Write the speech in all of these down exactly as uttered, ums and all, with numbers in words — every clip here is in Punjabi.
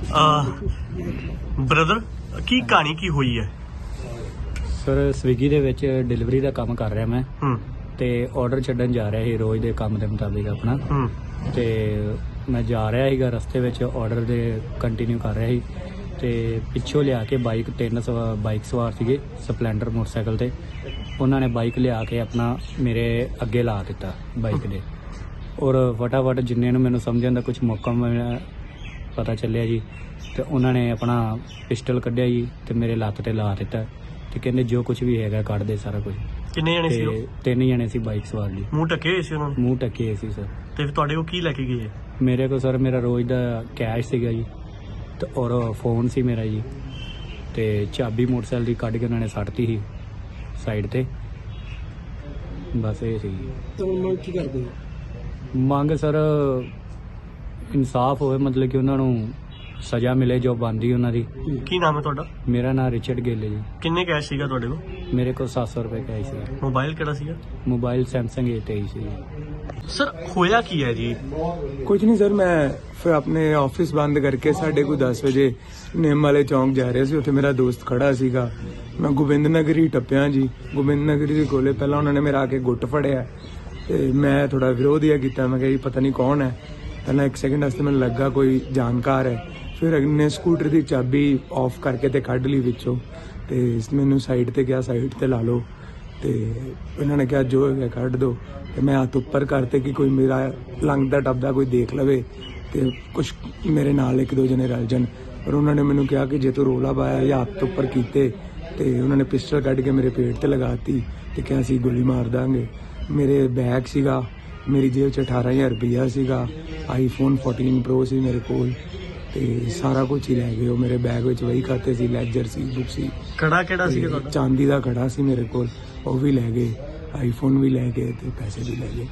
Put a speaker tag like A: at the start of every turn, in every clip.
A: ਬ੍ਰਦਰ ਕੀ ਕਹਾਣੀ ਕੀ ਹੋਈ ਹੈ?
B: ਸਰ ਸਵਿਗੀ ਦੇ ਵਿੱਚ ਡਿਲੀਵਰੀ ਦਾ ਕੰਮ ਕਰ ਰਿਹਾ ਮੈਂ
A: ਹੂੰ
B: ਤੇ ਆਰਡਰ ਛੱਡਣ ਜਾ ਰਿਹਾ ਸੀ ਰੋਜ਼ ਦੇ ਕੰਮ ਦੇ ਮੁਤਾਬਿਕ ਆਪਣਾ।
A: ਹੂੰ
B: ਤੇ ਮੈਂ ਜਾ ਰਿਹਾ ਸੀਗਾ ਰਸਤੇ ਵਿੱਚ ਆਰਡਰ ਦੇ ਕੰਟੀਨਿਊ ਕਰ ਰਿਹਾ ਸੀ ਤੇ ਪਿੱਛੋਂ ਲਿਆ ਕੇ ਬਾਈਕ ਤਿੰਨ ਸਵਾ ਬਾਈਕ ਸਵਾਰ ਸੀਗੇ ਸਪਲੈਂਡਰ ਮੋਟਰਸਾਈਕਲ ਤੇ। ਉਹਨਾਂ ਨੇ ਬਾਈਕ ਲਿਆ ਕੇ ਆਪਣਾ ਮੇਰੇ ਅੱਗੇ ਲਾ ਦਿੱਤਾ ਬਾਈਕ ਦੇ ਔਰ ਫਟਾਫਟ ਜਿੰਨੇ ਨੂੰ ਮੈਨੂੰ ਸਮਝਣ ਦਾ ਕੁਝ ਮੌਕਾ ਮਿਲਿਆ ਪਤਾ ਚੱਲਿਆ ਜੀ ਤੇ ਉਹਨਾਂ ਨੇ ਆਪਣਾ ਪਿਸਟਲ ਕੱਢਿਆ ਜੀ ਤੇ ਮੇਰੇ ਲੱਤ ਤੇ ਲਾ ਦਿੱਤਾ ਤੇ ਕਹਿੰਦੇ ਜੋ ਕੁਝ ਵੀ ਹੈਗਾ ਕੱਢ ਦੇ ਸਾਰਾ ਕੁਝ।
A: ਕਿੰਨੇ ਜਣੇ ਸੀ ਉਹ?
B: ਤਿੰਨ ਜਣੇ ਸੀ ਬਾਈਕ ਸਵਾਰ ਜੀ।
A: ਮੂੰਹ ਢੱਕੇ ਹੋਏ ਸੀ ਉਹਨਾਂ ਨੇ?
B: ਮੂੰਹ ਢੱਕੇ ਹੋਏ ਸੀ ਸਰ।
A: ਤੇ ਫਿਰ ਤੁਹਾਡੇ ਕੋਲ ਕੀ ਲੈ ਕੇ ਗਏ?
B: ਮੇਰੇ ਕੋਲ ਸਰ ਮੇਰਾ ਰੋਜ਼ ਦਾ ਕੈਸ਼ ਸੀਗਾ ਜੀ ਤੇ ਔਰ ਫੋਨ ਸੀ ਮੇਰਾ ਜੀ ਤੇ ਚਾਬੀ ਮੋਟਰਸਾਈਕਲ ਦੀ ਕੱਢ ਕੇ ਉਹਨਾਂ ਨੇ ਸੱਟਤੀ ਸੀ ਸਾਈਡ ਤੇ। ਬਸ ਇਹ ਸੀ।
C: ਤਾਂ ਮੰਗ ਕੀ ਕਰਦੇ ਹੋ?
B: ਮੰਗ ਸਰ ਇਨਸਾਫ ਹੋਵੇ, ਮਤਲਬ ਕਿ ਉਹਨਾਂ ਨੂੰ ਸਜ਼ਾ ਮਿਲੇ ਜੋ ਬਣਦੀ ਉਹਨਾਂ ਦੀ।
A: ਕੀ ਨਾਮ ਹੈ ਤੁਹਾਡਾ?
B: ਮੇਰਾ ਨਾਮ ਰਿਚਰਡ ਗਿੱਲ ਹੈ ਜੀ।
A: ਕਿੰਨੇ ਕੈਸ਼ ਸੀਗਾ ਤੁਹਾਡੇ ਕੋਲ?
B: ਮੇਰੇ ਕੋਲ ਸੱਤ ਸੌ ਰੁਪਏ ਕੈਸ਼ ਸੀ।
A: ਮੋਬਾਈਲ ਕਿਹੜਾ ਸੀਗਾ?
B: ਮੋਬਾਈਲ ਸੈਮਸੰਗ ਏ ਤੇਈ ਸੀ।
A: ਸਰ ਹੋਇਆ ਕੀ ਹੈ ਜੀ?
D: ਕੁਝ ਨਹੀਂ ਸਰ, ਮੈਂ ਫਿਰ ਆਪਣੇ ਆਫਿਸ ਬੰਦ ਕਰਕੇ ਸਾਢੇ ਕੁ ਦਸ ਵਜੇ ਨਿੰਮ ਵਾਲੇ ਚੌਂਕ ਜਾ ਰਿਹਾ ਸੀ। ਉੱਥੇ ਮੇਰਾ ਦੋਸਤ ਖੜਾ ਸੀਗਾ। ਮੈਂ ਗੋਬਿੰਦ ਨਗਰੀ ਟੱਪਿਆ ਜੀ। ਗੋਬਿੰਦ ਨਗਰੀ ਦੇ ਕੋਲੇ ਪਹਿਲਾਂ ਉਹਨਾਂ ਨੇ ਮੇਰਾ ਆ ਕੇ ਗੁੱਟ ਫੜਿਆ ਤੇ ਮੈਂ ਥੋੜਾ ਵਿਰੋਧ ਜਿਹਾ ਕੀਤਾ। ਮੈਂ ਕਿਹਾ ਜੀ ਪਤਾ ਨਹੀਂ ਕੌਣ ਹੈ। ਪਹਿਲਾਂ ਇੱਕ ਸੈਕਿੰਡ ਵਾਸਤੇ ਮੈਨੂੰ ਲੱਗਾ ਕੋਈ ਜਾਣਕਾਰ ਹੈ। ਫਿਰ ਅਗਨੇ ਸਕੂਟਰ ਦੀ ਚਾਬੀ ਆਫ ਕਰਕੇ ਤੇ ਕੱਢ ਲਈ ਵਿੱਚੋਂ ਤੇ ਮੈਨੂੰ ਸਾਈਡ ਤੇ ਕਿਹਾ ਸਾਈਡ ਤੇ ਲਾ ਲਓ ਤੇ ਇਹਨਾਂ ਨੇ ਕਿਹਾ ਜੋ ਹੈਗਾ ਕੱਢ ਦਿਓ ਤੇ ਮੈਂ ਹੱਥ ਉੱਪਰ ਕਰਤੇ ਕਿ ਕੋਈ ਮੇਰਾ ਲੰਘਦਾ ਟੱਪਦਾ ਕੋਈ ਦੇਖ ਲਵੇ ਤੇ ਕੁਛ ਮੇਰੇ ਨਾਲ ਇੱਕ ਦੋ ਜਣੇ ਰਲ ਜਾਣ। ਪਰ ਉਹਨਾਂ ਨੇ ਮੈਨੂੰ ਕਿਹਾ ਕਿ ਜੇ ਤੂੰ ਰੋਲਾ ਪਾਇਆ ਜਾਂ ਹੱਥ ਉੱਪਰ ਕੀਤੇ ਤੇ ਉਹਨਾਂ ਨੇ ਪਿਸਟਲ ਕੱਢ ਕੇ ਮੇਰੇ ਪੇਟ ਤੇ ਲਗਾਤੀ ਤੇ ਕਿਹਾ ਸੀ ਗੋਲੀ ਮਾਰ ਦਾਂਗੇ। ਮੇਰੇ ਬੈਗ ਸੀਗਾ, ਮੇਰੀ ਜੇਬ 'ਚ ਅਠਾਰਾਂ ਹਜ਼ਾਰ ਰੁਪਈਆ ਸੀਗਾ, ਆਈਫੋਨ ਚੌਦਾਂ ਪ੍ਰੋ ਸੀ ਮੇਰੇ ਕੋਲ ਤੇ ਸਾਰਾ ਕੁਝ ਹੀ ਲੈ ਗਏ ਉਹ। ਮੇਰੇ ਬੈਗ ਵਿੱਚ ਵਹੀ ਖਾਤੇ ਸੀ, ਲੈਜਰ ਸੀ, ਬੁੱਕ ਸੀ।
A: ਕੜਾ ਕਿਹੜਾ ਸੀਗਾ ਤੁਹਾਡਾ?
D: ਚਾਂਦੀ ਦਾ ਕੜਾ ਸੀ ਮੇਰੇ ਕੋਲ, ਉਹ ਵੀ ਲੈ ਗਏ। ਆਈਫੋਨ ਵੀ ਲੈ ਗਏ ਤੇ ਪੈਸੇ ਵੀ ਲੈ ਗਏ।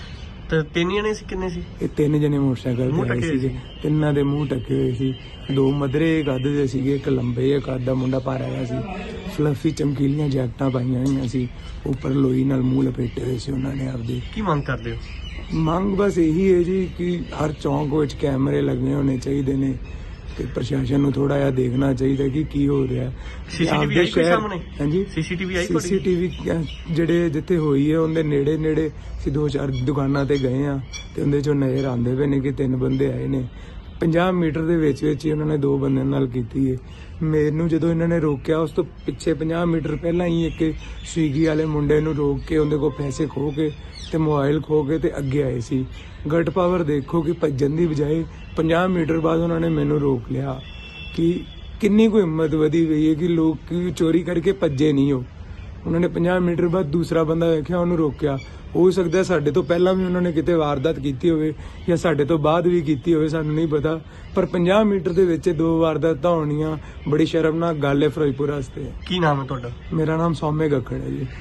A: ਤੇ ਤਿੰਨ ਜਣੇ ਸੀ? ਕਿੰਨੇ ਸੀ?
D: ਇਹ ਤਿੰਨ ਜਣੇ ਮੋਟਰਸਾਈਕਲ
A: ਮੂੰਹ
D: ਤੇ ਆਏ
A: ਢੱਕੇ
D: ਸੀਗੇ। ਤਿੰਨਾਂ ਦੇ ਮੂੰਹ ਢੱਕੇ ਹੋਏ ਸੀ। ਦੋ ਮਧਰੇ ਕੱਦ ਦੇ ਸੀਗੇ, ਇੱਕ ਲੰਬੇ ਇੱਕ ਅੱਧਾ ਮੁੰਡਾ ਭਾਰਾ ਜਿਹਾ ਸੀ। ਫਲਫੀ ਚਮਕੀਲੀਆਂ ਜੈਕਟਾਂ ਪਾਈਆਂ ਹੋਈਆਂ ਸੀ, ਉੱਪਰ ਲੋਈ ਨਾਲ ਮੂੰਹ ਲਪੇਟੇ ਹੋਏ ਸੀ ਉਹਨਾਂ ਨੇ ਆਪਦੇ।
A: ਕੀ ਮੰਗ ਕਰਦੇ ਹੋ?
D: ਮੰਗ ਬਸ ਇਹੀ ਹੈ ਜੀ ਕਿ ਹਰ ਚੌਂਕ ਵਿੱਚ ਕੈਮਰੇ ਲੱਗੇ ਹੋਣੇ ਚਾਹੀਦੇ ਨੇ ਤੇ ਪ੍ਰਸ਼ਾਸਨ ਨੂੰ ਥੋੜਾ ਜਿਹਾ ਦੇਖਣਾ ਚਾਹੀਦਾ ਕਿ ਕੀ ਹੋ ਰਿਹਾ।
A: ਸੀਸੀਟੀਵੀ ਆਈ ਕੋਈ ਸਾਹਮਣੇ?
D: ਹਾਂਜੀ
A: ਸੀਸੀਟੀਵੀ ਆਈ ਕੋਈ?
D: ਸੀਸੀਟੀਵੀ ਜਿਹੜੇ ਜਿੱਥੇ ਹੋਈ ਹੈ ਉਹਦੇ ਨੇੜੇ ਨੇੜੇ ਅਸੀਂ ਦੋ ਚਾਰ ਦੁਕਾਨਾਂ ਤੇ ਗਏ ਆ ਤੇ ਉਹਦੇ ਚੋਂ ਨਜ਼ਰ ਆਉਂਦੇ ਪਏ ਨੇ ਕਿ ਤਿੰਨ ਬੰਦੇ ਆਏ ਨੇ। ਪੰਜਾਹ ਮੀਟਰ ਦੇ ਵਿੱਚ ਵਿੱਚ ਹੀ ਉਹਨਾਂ ਨੇ ਦੋ ਬੰਦਿਆਂ ਨਾਲ ਕੀਤੀ ਹੈ। ਮੈਨੂੰ ਜਦੋਂ ਇਹਨਾਂ ਨੇ ਰੋਕਿਆ ਉਸ ਤੋਂ ਪਿੱਛੇ ਪੰਜਾਹ ਮੀਟਰ ਪਹਿਲਾਂ ਹੀ ਇੱਕ ਸਵੀਗੀ ਵਾਲੇ ਮੁੰਡੇ ਨੂੰ ਰੋਕ ਕੇ ਉਹਦੇ ਕੋਲ ਪੈਸੇ ਖੋਹ ਕੇ ਤੇ ਮੋਬਾਈਲ ਖੋਹ ਕੇ ਤੇ ਅੱਗੇ ਆਏ ਸੀ। ਗਟ ਪਾਵਰ ਦੇਖੋ ਕਿ ਭੱਜਣ ਦੀ ਬਜਾਏ ਪੰਜਾਹ ਮੀਟਰ ਬਾਅਦ ਉਹਨਾਂ ਨੇ ਮੈਨੂੰ ਰੋਕ ਲਿਆ। ਕਿ ਕਿੰਨੀ ਕੋਈ ਹਿੰਮਤ ਵਧੀ ਗਈ ਹੈ ਕਿ ਲੋਕ ਚੋਰੀ ਕਰਕੇ ਭੱਜੇ ਨਹੀਂ। ਉਹ ਉਹਨਾਂ ਨੇ ਪੰਜਾਹ ਮੀਟਰ ਬਾਅਦ ਦੂਸਰਾ ਬੰਦਾ ਵੇਖਿਆ, ਉਹਨੂੰ ਰੋਕਿਆ। ਹੋ ਸਕਦਾ ਸਾਡੇ ਤੋਂ ਪਹਿਲਾਂ ਵੀ ਉਹਨਾਂ ਨੇ ਕਿਤੇ ਵਾਰਦਾਤ ਕੀਤੀ ਹੋਵੇ ਜਾਂ ਸਾਡੇ ਤੋਂ ਬਾਅਦ ਵੀ ਕੀਤੀ ਹੋਵੇ, ਸਾਨੂੰ ਨਹੀਂ ਪਤਾ। ਪਰ ਪੰਜਾਹ ਮੀਟਰ ਦੇ ਵਿੱਚ ਦੋ ਵਾਰਦਾਤਾਂ ਹੋਣੀਆਂ ਬੜੀ ਸ਼ਰਮਨਾਕ ਗੱਲ ਹੈ ਫਿਰੋਜ਼ਪੁਰ ਵਾਸਤੇ।
A: ਕੀ ਨਾਮ ਹੈ ਤੁਹਾਡਾ?
D: ਮੇਰਾ ਨਾਮ ਸੌਮੇ ਗੱਖੜ ਹੈ ਜੀ।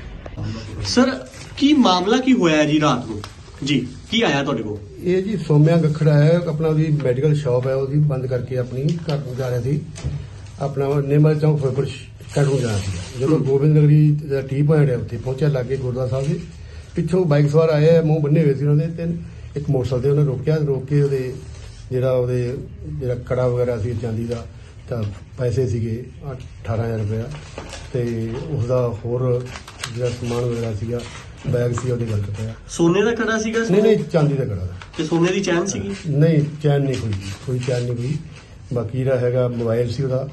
A: ਸਰ ਕੀ ਮਾਮਲਾ ਕੀ ਹੋਇਆ ਜੀ ਰਾਤ ਨੂੰ? ਜੀ ਕੀ ਆਇਆ ਤੁਹਾਡੇ ਕੋਲ?
C: ਇਹ ਜੀ ਸੋਮਿਆ ਗੱਖੜਾ ਹੈ, ਆਪਣਾ ਉਹਦੀ ਮੈਡੀਕਲ ਸ਼ਾਪ ਹੈ, ਉਹਦੀ ਬੰਦ ਕਰਕੇ ਆਪਣੀ ਘਰ ਨੂੰ ਜਾ ਰਿਹਾ ਸੀ। ਆਪਣਾ ਨਿਮਲ ਚੌਂਕ ਫਿਰੋਜ਼ਪੁਰ ਘਰ ਨੂੰ ਜਾਣਾ ਸੀ। ਜਦੋਂ ਗੋਬਿੰਦ ਨਗਰੀ ਦਾ ਟੀ ਪੁਆਇੰਟ ਹੈ ਉੱਥੇ ਪਹੁੰਚਿਆ ਲਾਗੇ ਗੁਰਦੁਆਰਾ ਸਾਹਿਬ ਦੇ, ਪਿੱਛੋਂ ਬਾਈਕ ਸਵਾਰ ਆਏ, ਮੂੰਹ ਬੰਨੇ ਹੋਏ ਸੀ ਉਹਨਾਂ ਦੇ। ਤੇ ਇੱਕ ਮੋਟਰਸਾਈਕਲ ਤੇ ਉਹਨੇ ਰੋਕਿਆ, ਰੋਕ ਕੇ ਉਹਦੇ ਜਿਹੜਾ ਉਹਦੇ ਜਿਹੜਾ ਕੜਾ ਵਗੈਰਾ ਸੀ ਚਾਂਦੀ ਦਾ ਤਾਂ ਪੈਸੇ ਸੀਗੇ ਅਠਾਰਾਂ ਹਜ਼ਾਰ ਰੁਪਇਆ ਤੇ ਉਸਦਾ ਹੋਰ ਜਿਹੜਾ ਸਮਾਨ ਵਗੈਰਾ ਸੀਗਾ ਬੈਗ ਸੀ ਉਹਦੇ ਗਲਤ ਪਿਆ।
A: ਸੋਨੇ ਦਾ ਕੜਾ ਸੀਗਾ?
C: ਨਹੀਂ ਨਹੀਂ ਚਾਂਦੀ ਦਾ ਕੜਾ।
A: ਤੇ ਸੋਨੇ ਦੀ ਚੈਨ ਸੀਗੀ?
C: ਨਹੀਂ ਚੈਨ ਨਹੀਂ ਕੋਈ, ਕੋਈ ਚੈਨ ਨਹੀਂ ਕੋਈ। ਬਾਕੀ ਜਿਹੜਾ ਹੈਗਾ ਮੋਬਾਈਲ ਸੀ ਉਹਦਾ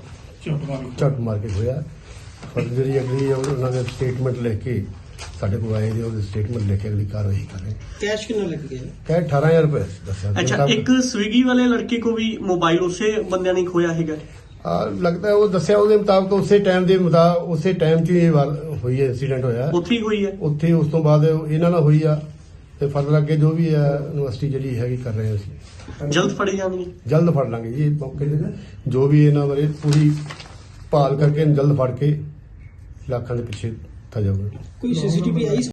C: ਝੱਟ ਮਾਰ ਕੇ ਹੋਇਆ। ਪਰ ਜਿਹੜੀ ਅਗਲੀ ਉਹਨਾਂ ਨੇ ਸਟੇਟਮੈਂਟ ਲਿਖ ਕੇ ਸਾਡੇ ਕੋਲ ਆਏ ਨੇ, ਉਹਦੇ ਸਟੇਟਮੈਂਟ ਲਿਖ ਕੇ ਅਗਲੀ ਕਾਰਵਾਈ ਕਰ ਰਹੇ।
E: ਕੈਸ਼ ਕਿੰਨਾ ਲੱਗ ਗਿਆ?
C: ਕੈਸ਼ ਅਠਾਰਾਂ ਹਜ਼ਾਰ ਰੁਪਏ ਦੱਸਿਆ।
A: ਅੱਛਾ, ਇੱਕ ਸਵਿਗੀ ਵਾਲੇ ਲੜਕੇ ਕੋ ਵੀ ਮੋਬਾਈਲ ਉਸੇ ਬੰਦਿਆਂ ਨੇ ਖੋਇਆ ਹੈਗਾ?
C: ਆ ਲੱਗਦਾ ਉਹ ਦੱਸਿਆ ਉਹਦੇ ਮੁਤਾਬਕ ਉਸੇ ਟਾਈਮ ਦੇ ਮੁਤਾਬਕ ਉਸੇ ਟਾਈਮ 'ਚ ਇਹ ਵਾਰ ਹੋਈ ਹੈ, ਇੰਸੀਡੈਂਟ ਹੋਇਆ
A: ਉੱਥੇ ਹੀ ਹੋਈ ਹੈ।
C: ਉੱਥੇ ਉਸ ਤੋਂ ਬਾਅਦ ਇਹਨਾਂ ਨਾਲ ਹੋਈ ਆ ਤੇ ਫਰਦਰ ਅੱਗੇ ਜੋ ਵੀ ਹੈ ਯੂਨੀਵਰਸਿਟੀ ਜਿਹੜੀ ਹੈਗੀ ਕਰ ਰਹੇ ਅਸੀਂ।
A: ਜਲਦ ਫੜੇ ਜਾਣਗੇ? ਜਲਦ
C: ਫੜ ਲਾਂਗੇ ਜੀ ਮੌਕੇ ਤੇ। ਜੋ ਵੀ ਇਹਨਾਂ ਬਾਰੇ ਪੂਰੀ ਭਾਲ ਕਰਕੇ ਜਲਦ ਫੜ ਕੇ ਲੱਖਾਂ ਦੇ ਪਿੱਛੇ ਥਾ ਜਾਊਗਾ।
E: ਕੋਈ ਸੀਸੀਟੀਵੀ ਆਈ?